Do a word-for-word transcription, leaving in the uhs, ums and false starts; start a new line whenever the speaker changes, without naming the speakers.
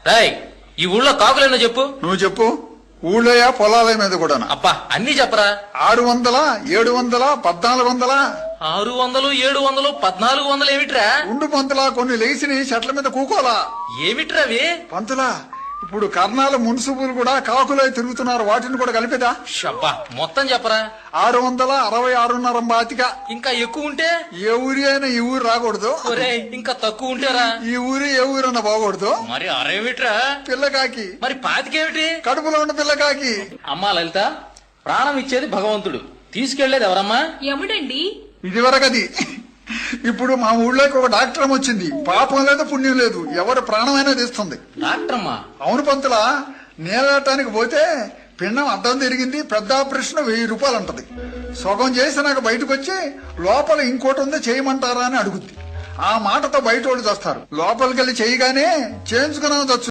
రాయ్ ఈ ఊళ్ళో కాకులేనో చెప్పు.
నువ్వు చెప్పు. ఊళ్ళోయా పొలాల మీద కూడా?
అబ్బా అన్ని చెప్పరా.
ఆరు వందల ఏడు వందల పద్నాలుగు వందల
ఆరు వందలు ఏడు వందలు పద్నాలుగు వందలు ఏమిట్రా?
ఉండు పంతులా, కొన్ని లేచిని చెట్ల మీద కూకోలా.
ఏమిట్రా అవి?
పంతులా, ఇప్పుడు కర్ణాల మున్సిపులు కూడా కాకులై తిరుగుతున్నారు, వాటిని కూడా కలిపేదా?
షబ్బా మొత్తం చెప్పరా.
ఆరు వందల అరవై ఆరున్నర బాతిక.
ఇంకా ఎక్కువ ఉంటే?
ఏ ఊరి అయినా ఈ ఊరు రాకూడదు.
ఒరేయ్ ఇంకా తక్కువ ఉంటేరా?
ఈ ఊరి ఏ ఊరన్నా బాగూడదు.
మరి అరేమిట్రా?
పిల్లకాకి.
మరి పాతికేమిటి?
కడుపులో ఉన్న పిల్లకాకి.
అమ్మా లలిత, ప్రాణం ఇచ్చేది భగవంతుడు, తీసుకెళ్లేది ఎవరమ్మా?
యముడండి.
ఇదివరకది. ఇప్పుడు మా ఊళ్ళోకి ఒక డాక్టర్ వచ్చింది. పాపం లేదు పుణ్యం లేదు, ఎవరు ప్రాణమైనా తీస్తుంది.
డాక్టర్ అమ్మా?
అవును పంతులా, నేలటానికి పోతే పిండం అడ్డం తిరిగింది, పెద్ద ఆపరేషన్ వెయ్యి రూపాయలు అంటది. సగం చేసి నాకు బయటకు వచ్చి లోపల ఇంకోటి ఉంది చేయమంటారా అని అడుగుద్ది. ఆ మాటతో బయట వాళ్ళు చేస్తారు. లోపలికి వెళ్ళి చేయగానే చేయించుకున్నాను